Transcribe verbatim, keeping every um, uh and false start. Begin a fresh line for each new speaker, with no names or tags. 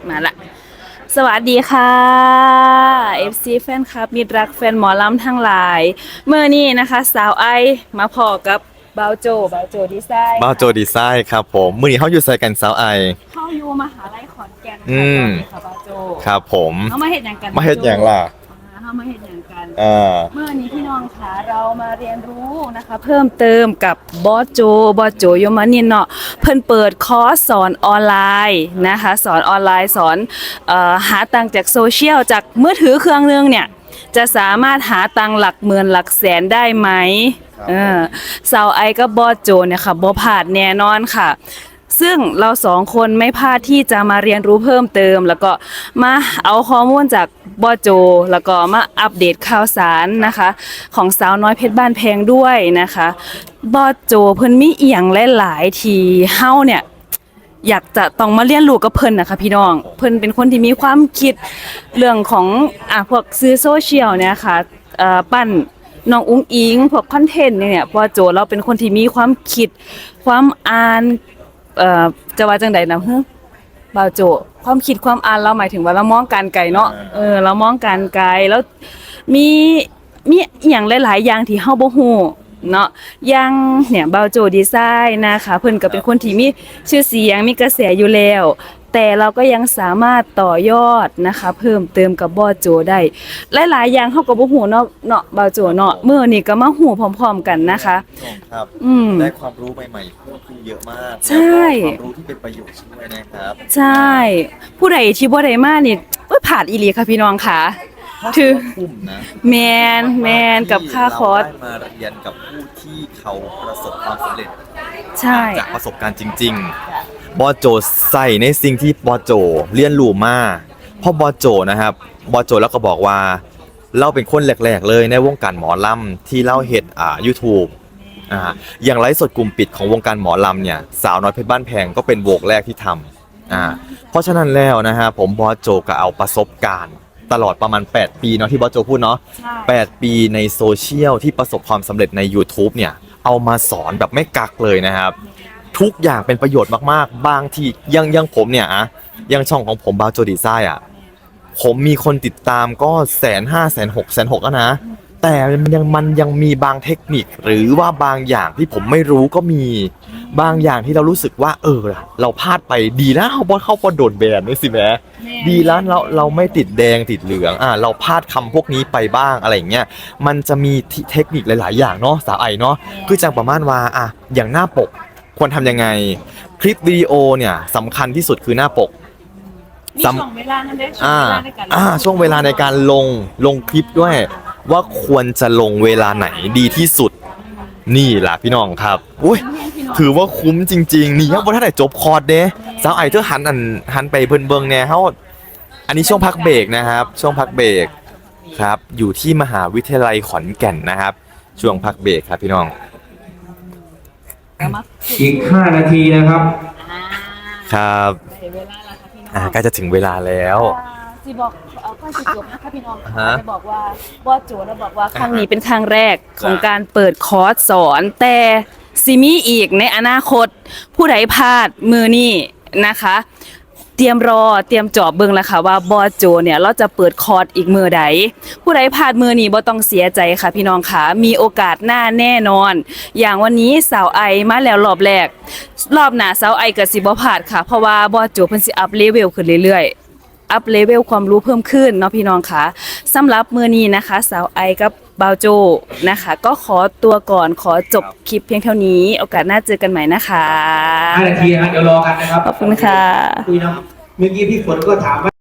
มาละสวัสดีค่ะ เอฟ ซี แฟนคลับมิตรรักแฟนหมอลำทั้งหลายเมื่อนี้นะคะสาวไอมาพอกับเบาโจเบาโจดีไซน์
บ้าโจดีไซน์ครับผมมื้อนี้เขาอยู่ใส่กันสาวไอ
เข้าอยู่มหาลัยขอนแก่น
อืม
ค่ะเบาโจ
ครับผม
เขามาเห็นอย่างกัน
มาเฮ็ดหยังล่ะ
เขามาเห็นอย่างกัน
อ่า
เมื่อนี้พี่น้องคะเรามาเรียนรู้นะคะเพิ่มเติมกับบอสโจบอสโจยมานินเนาะเพิ่นเปิดคอร์สสอนออนไลน์นะคะสอนออนไลน์สอนเอ่อหาตังค์จากโซเชียลจากมือถือเครื่องนึงเนี่ยจะสามารถหาตังค์หลักหมื่นหลักแสนได้ไหมเออสาวไอกับบอสโจเนี่ยค่ะบ่พลาดแน่นอนค่ะซึ่งเราสองคนไม่พลาดที่จะมาเรียนรู้เพิ่มเติมแล้วก็มาเอาข้อมูลจากบอโจแล้วก็มาอัปเดตข่าวสารนะคะของสาวน้อยเพชรบ้านแพงด้วยนะคะบอโจเพิ่นมีเอียงหลายๆที่เฮาเนี่ยอยากจะต้องมาเรียนรู้กับเพิ่นนะคะพี่น้องเพิ่นเป็นคนที่มีความคิดเรื่องของอ่ะพวกสื่อโซเชียลเนี่ยค่ะเอ่อปั้นน้องอุ้งอิงพวกคอนเทนต์เนี่ยบอโจเราเป็นคนที่มีความคิดความอ่านเอ่อจะว่าจังใดนะฮึบ่าวโจความคิดความอ่านเราหมายถึงว่าเรามองการไกลเนาะเออเรามองการไกลแล้วมีมีอหย่างหลายๆอย่างที่เฮาบ่ฮู้เนาะอย่างเนี่ยบ่าวโจดีไซน์นะคะเพิ่นก็เป็นคนที่มีชื่อเสียงมีกระแสอยู่แล้วแต่เราก็ยังสามารถต่อยอดนะคะเพิ่มเติมกับบ่าวโจได้หลายๆอย่างเฮาก็บ่ฮู้เนาะเนาะบ่าวโจเนาะมื้อนี้ก็มาฮู้พร้อมๆกันนะคะ
ครับ
อืม
ได้ความรู้ใหม่ๆเพิ่มขึ้นเยอะมาก
ใช่
ความรู้ที่เป็นประโยชน์ด้วยนะครับ
ใช่ผู้ใดที่บ่ได้มานี่โอ๊ยพลาดอีหลีค่ะพี่น้องค่ะถือ
คุ้มนะ
แมนแมนกับค่าคอร์ส
เราได้มาเรียนกับผู้ที่เขาประสบความสำเร็จ
ใช่
จากประสบการณ์จริงๆบอโจใส่ในสิ่งที่บอโจเรียนรู้มาเพราะบอโจนะครับบอโจแล้วก็บอกว่าเราเป็นคนแรกๆเลยในวงการหมอลำที่เล่าเฮ็ดอ่า YouTube อ่าอย่างไลฟ์สดกลุ่มปิดของวงการหมอลำเนี่ยสาวน้อยเพชรบ้านแพงก็เป็นวงแรกที่ทำอ่าเพราะฉะนั้นแล้วนะฮะผมบอโจก็เอาประสบการณ์ตลอดประมาณแปดปีเนาะที่บอสโจพูดเนาะแปดปีในโซเชียลที่ประสบความสำเร็จใน YouTube เนี่ยเอามาสอนแบบไม่กักเลยนะครับทุกอย่างเป็นประโยชน์มากๆบางที่ยังยังผมเนี่ยอะยังช่องของผมบาโจดีไซน์อ่ะผมมีคนติดตามก็แสนห้าแสนหกแสนหกแล้วนะแต่มันยังมันยังมีบางเทคนิคหรือว่าบางอย่างที่ผมไม่รู้ก็มีบางอย่างที่เรารู้สึกว่าเออเราพลาดไปดีนะเขาบอสเข้าก็โดนแบนนี่สิแม่ดีแล้วเราเราไม่ติดแดงติดเหลืองอ่ะเราพลาดคำพวกนี้ไปบ้างอะไรอย่างเงี้ยมันจะมีเทคนิคหลายๆอย่างเนาะสาวไอเนาะคือจังประมาณว่าอ่ะอย่างหน้าปกควรทำยังไงคลิปวิดีโอเนี่ยสำคัญที่สุดคือหน้าปก
มีช่วงเวลานั้นได้ช่วงเวลาในการ
อ่าช่วงเวลาในการลงลงคลิปด้วยว่าควรจะลงเวลาไหนดีที่สุดนี่แหละพี่น้องครับอุ้ยถือว่าคุ้มจริงๆนี่ยังบ่ทันได้จบคอร์สเด้สาวไอเธอหันอันหันไปเพิ่นเบิ่งแน่เฮาอันนี้ช่วงพักเบรกนะครับช่วงพักเบรกครับอยู่ที่มหาวิทยาลัยขอนแก่นนะครับช่วงพักเบรกครับพี่น้อง
อีกห้านาทีนะครับ
ครับอ่าใกล้จะถึงเวลาแล้ว
สิบอกเอาข้อสิจบนะคะพี่น้องจะบอกว่าบอสโจแล้วบอกว่าครั้งนี้เป็นครั้งแรกของการเปิดคอร์สสอนแต่ซิมีอีกในอนาคตผู้ใดพลาดมือนี่นะคะ เตรียมรอเตรียมจอบเบิ่งแล้วค่ะว่าบอสโจเนี่ยเราจะเปิดคอร์สอีกมือใดผู้ใดพลาดมือนี้บ่ต้องเสียใจค่ะพี่น้องค่ะมีโอกาสหน้าแน่นอนอย่างวันนี้สาวไอมาแล้วรอบแรกรอบหน้าสาวไอก็สิบ่พลาดค่ะเพราะว่าบอสโจเพิ่นสิอัพเลเวลขึ้นเรื่อยๆอัพเลเวลความรู้เพิ่มขึ้นเนาะพี่น้องค่ะสำหรับมื้อนี้นะคะสาวไอกับบาวโจนะคะก็ขอตัวก่อนขอจบคลิปเพียงเท่านี้โอกาสหน้าเจอกันใหม่นะคะ
ห้านาทีนะเดี๋ยวรอกันนะครับ
ขอบคุณค่ะ
คุยนะเมื่อกี้พี่ฝนก็ถามว่า